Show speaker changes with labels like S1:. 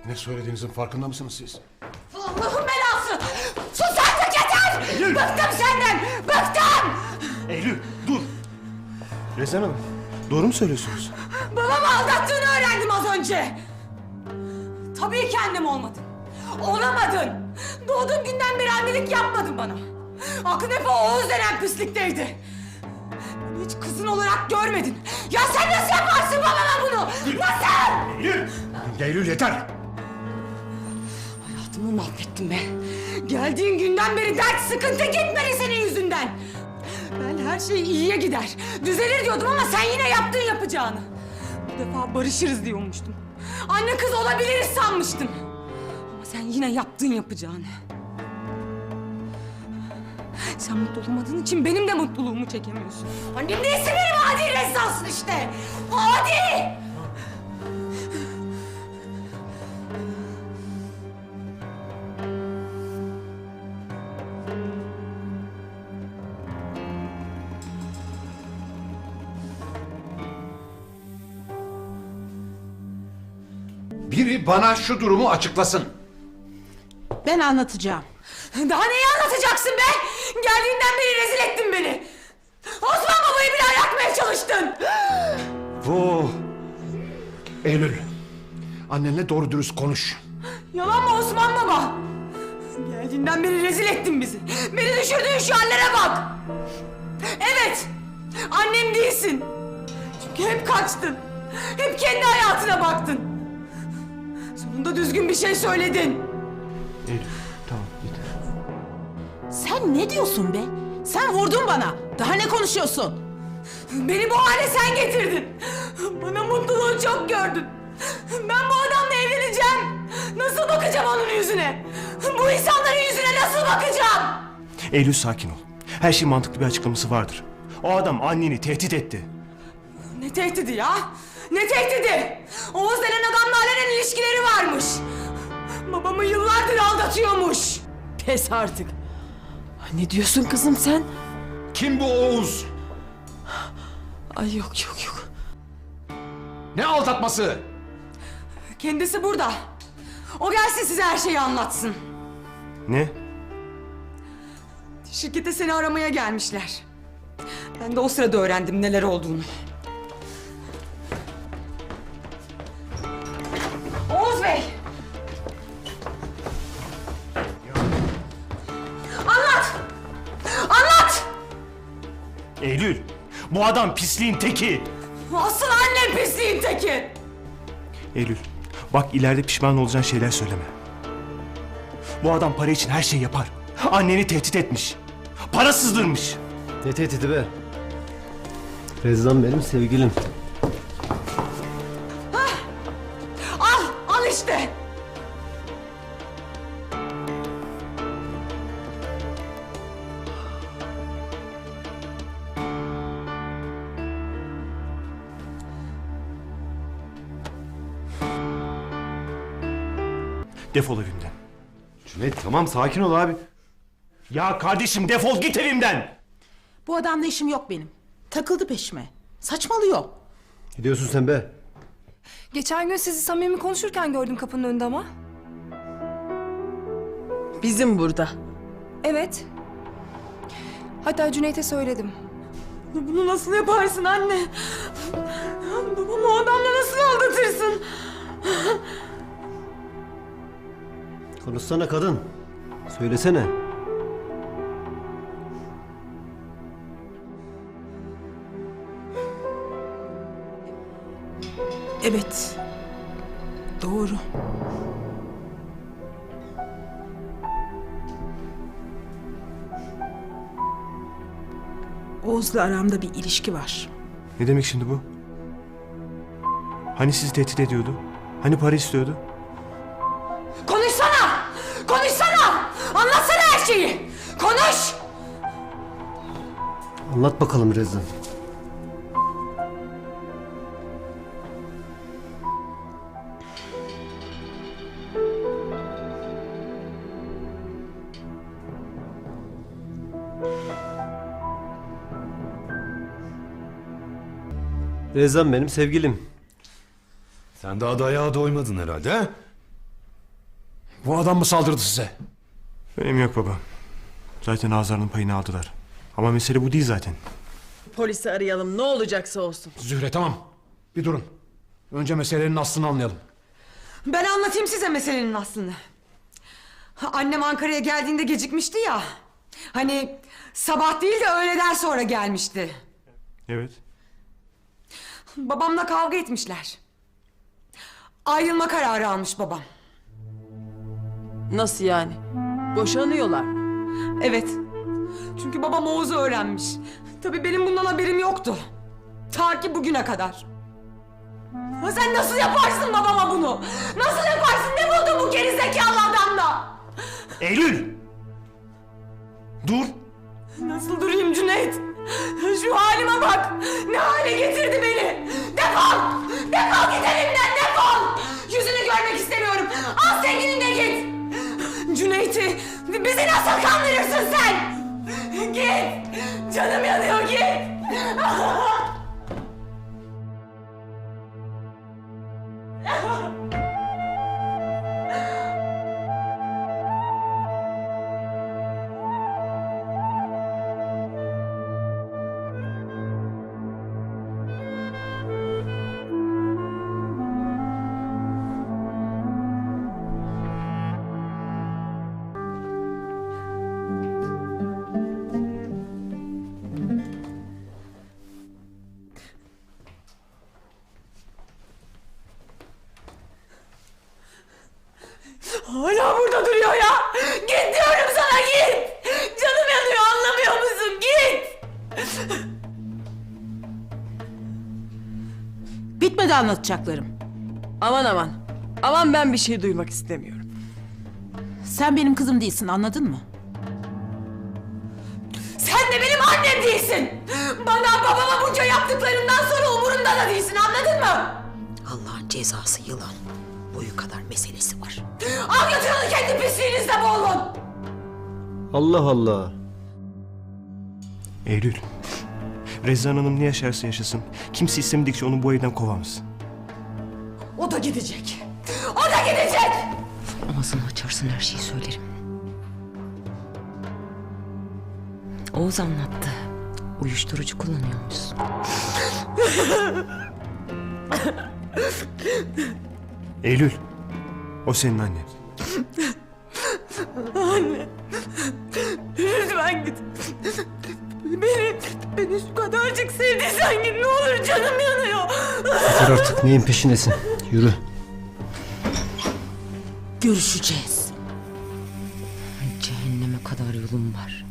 S1: Ne söylediğinizin farkında mısınız siz?
S2: Allah'ın belası! Sus artık yeter!
S1: Eylül!
S2: Bıktım senden! Bıktım!
S1: Eylül dur! Rezan Hanım doğru mu söylüyorsunuz?
S2: Babamı aldattığını öğrendim az önce. Tabii kendim olmadın. Olamadın. Doğduğum günden beri annelik yapmadın bana. Aklın hep o Oğuz denen pislikteydi. Beni hiç kızın olarak görmedin. Ya sen nasıl yaparsın babama bunu? Nasıl?
S1: Eylül! Eylül yeter!
S2: Hayatımı mahvettin be. Geldiğin günden beri dert sıkıntı gitmedi senin yüzünden. Ben her şey iyiye gider, düzelir diyordum ama sen yine yaptın yapacağını. Bu defa barışırız diyormuştum. Anne kız olabiliriz sanmıştım. Ama sen yine yaptın yapacağını. Sen mutlu olamadığın için benim de mutluluğumu çekemiyorsun. Annem değilse benim adi rezzansın işte. Adi!
S1: Biri bana şu durumu açıklasın.
S3: Ben anlatacağım.
S2: Daha neyi anlatacaksın be? Geldiğinden beri rezil ettin beni. Osman babayı bile ayartmaya çalıştın.
S1: Bu... Eylül. Annenle doğru dürüst konuş.
S2: Yalan mı Osman baba? Geldiğinden beri rezil ettin bizi. Beni düşürdüğün şu hallere bak. Evet, annem değilsin. Çünkü hep kaçtın. Hep kendi hayatına baktın. Sonunda düzgün bir şey söyledin.
S1: Eylül tamam yeter.
S3: Sen ne diyorsun be? Sen vurdun bana. Daha ne konuşuyorsun?
S2: Beni bu hale sen getirdin. Bana mutluluğu çok gördün. Ben bu adamla evleneceğim. Nasıl bakacağım onun yüzüne? Bu insanların yüzüne nasıl bakacağım?
S4: Eylül sakin ol. Her şeyin mantıklı bir açıklaması vardır. O adam anneni tehdit etti.
S2: Ne tehdidi ya? Ne tehdidi? Oğuz denen adamla alenen ilişkileri varmış. Babamı yıllardır aldatıyormuş.
S3: Pes artık. Ne diyorsun kızım sen?
S1: Kim bu Oğuz?
S3: Ay yok.
S1: Ne aldatması?
S2: Kendisi burada. O gelsin size her şeyi anlatsın.
S4: Ne?
S2: Şirkete seni aramaya gelmişler. Ben de o sırada öğrendim neler olduğunu. Oğuz Bey! Anlat! Anlat!
S4: Eylül, bu adam pisliğin teki.
S2: Asıl annem pisliğin teki!
S4: Eylül, bak ileride pişman olacağın şeyler söyleme. Bu adam para için her şeyi yapar. Anneni tehdit etmiş. Para sızdırmış.
S5: Ne tehdidi be? Rezan benim sevgilim.
S2: Al işte!
S4: Defol evimden.
S5: Cüneyt tamam sakin ol abi.
S4: Ya kardeşim defol git evimden.
S3: Bu adamla işim yok benim. Takıldı peşime. Saçmalıyor.
S5: Ne diyorsun sen be?
S6: Geçen gün sizi samimi konuşurken gördüm kapının önünde ama.
S3: Bizim burada.
S6: Evet. Hatta Cüneyt'e söyledim.
S2: Bunu nasıl yaparsın anne? Babamı o adamla nasıl aldatırsın?
S5: Konuşsana kadın. Söylesene.
S3: Evet. Doğru. Oğuz'la aramda bir ilişki var.
S4: Ne demek şimdi bu? Hani sizi tehdit ediyordu? Hani para istiyordu?
S2: Konuşsana! Konuşsana! Anlatsana her şeyi! Konuş!
S5: Anlat bakalım Rezan. Rezan benim sevgilim.
S7: Sen daha dayağa doymadın herhalde ha? Bu adam mı saldırdı size?
S4: Önemi yok baba. Zaten ağızlarının payını aldılar. Ama mesele bu değil zaten.
S8: Polisi arayalım, ne olacaksa olsun.
S7: Zühre tamam. Bir durun. Önce meselenin aslını anlayalım.
S2: Ben anlatayım size meselenin aslını. Annem Ankara'ya geldiğinde gecikmişti ya. Hani sabah değil de öğleden sonra gelmişti.
S4: Evet.
S2: Babamla kavga etmişler. Ayrılma kararı almış babam.
S8: Nasıl yani? Boşanıyorlar.
S2: Evet. Çünkü babam Oğuz'u öğrenmiş. Tabii benim bundan haberim yoktu. Ta ki bugüne kadar. Ha sen nasıl yaparsın babama bunu? Nasıl yaparsın? Ne buldun bu gerizekalı adamla?
S4: Eylül! Dur!
S2: Nasıl durayım Cüneyt? Şu halime bak! Ne hale getirdi beni! Defol! Defol git evimden defol! Yüzünü görmek istemiyorum! Al sevgilinle git! Cüneyt'i bizi nasıl kandırırsın sen? Git! Canım yanıyor git! Hala burada duruyor ya! Git diyorum sana git! Canım yanıyor anlamıyor musun? Git!
S3: Bitmedi anlatacaklarım.
S8: Aman aman. Aman ben bir şey duymak istemiyorum.
S3: Sen benim kızım değilsin, anladın mı?
S2: Sen de benim annem değilsin! Bana babama bunca yaptıklarından sonra umurumda da değilsin anladın mı?
S9: Allah'ın cezası yılan. Boyu kadar meselesi var.
S2: Al götür onu kendi pisliğinizle boğulun!
S5: Allah Allah.
S4: Eylül. Rezan Hanım ne yaşarsa yaşasın. Kimse istemedikçe onu bu evden kovamaz.
S2: O da gidecek! O da gidecek!
S9: Ağzını açarsın her şeyi söylerim. Oğuz anlattı. Uyuşturucu kullanıyormuşsun.
S4: Eylül. O senin annen.
S2: Lütfen git. Beni şu kadarcık sevdiysen git ne olur canım yanıyor.
S5: Yeter artık neyin peşindesin? Yürü.
S3: Görüşeceğiz.
S9: Cehenneme kadar yolum var.